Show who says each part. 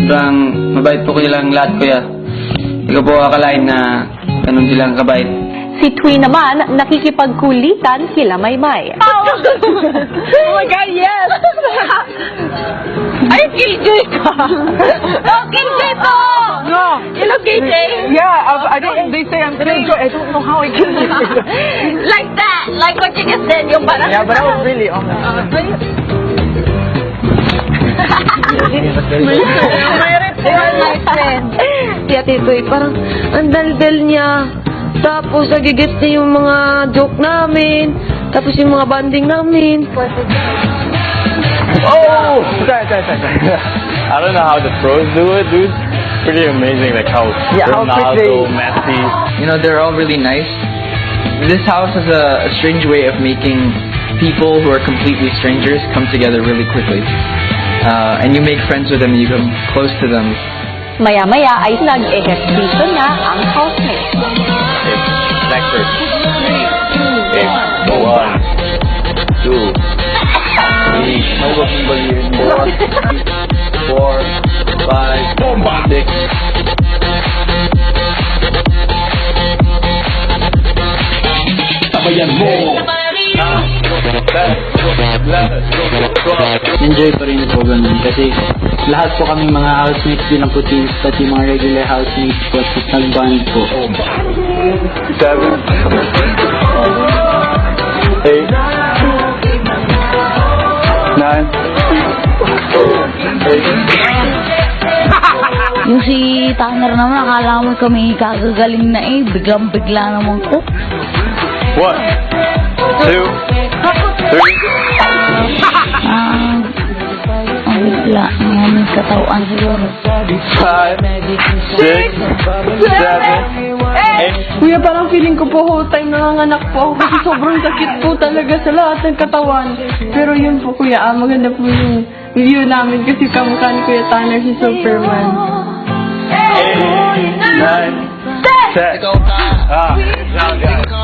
Speaker 1: Sobrang mabait po silang lahat, kuya. Hindi ko po akalain na ganun silang kabait.
Speaker 2: Si Twi naman, nakikipagkulitan kila Maymay.
Speaker 3: Oh my God, yes! Ay, KJ ka! Oh, KJ to!
Speaker 4: No.
Speaker 3: You know KJ?
Speaker 4: Yeah, I don't, they say I'm gonna go, I don't know how I can do it.
Speaker 3: Like that! Like what you just said, yung parang...
Speaker 4: Yeah, but I was really on that.
Speaker 3: My friend.
Speaker 5: Si Ate Toy, parang ang daldal niya. Tapos, nagigit niya yung mga joke namin. Tapos, yung mga banding namin.
Speaker 6: Oh! Sorry. I don't know how the pros do it, dude. Pretty amazing, like how
Speaker 4: How
Speaker 6: Ronaldo,
Speaker 4: quickly.
Speaker 6: Messi.
Speaker 1: You know, they're all really nice. This house has a strange way of making people who are completely strangers come together really quickly. And you make friends with them, you come close to them.
Speaker 2: Maya-maya ay nag-ehersisyo na ang housemate.
Speaker 6: Sector. Okay. 1, 2, 3, 4, 5, 6.
Speaker 1: Enjoy pa rin po ganun kasi lahat po kami mga housemates din ang putis at yung mga regular housemates po at nag-band po.
Speaker 6: 7, 8, 9.
Speaker 7: Yung si Tanner naman, akala mo kami kagagaling na eh. Biglang-bigla naman ko.
Speaker 6: 1, 2, 3.
Speaker 7: Ang bigla ng aming katawan siguro.
Speaker 6: 5, 6, 7, 8.
Speaker 4: Kuya, parang feeling ko po whole time nanganganak po ako kasi sobrang sakit po talaga sa lahat ng katawan. Pero yun po, kuya, maganda po yung view namin kasi kamukha ni Kuya Tanner si Superman.
Speaker 6: 8, 9, 10.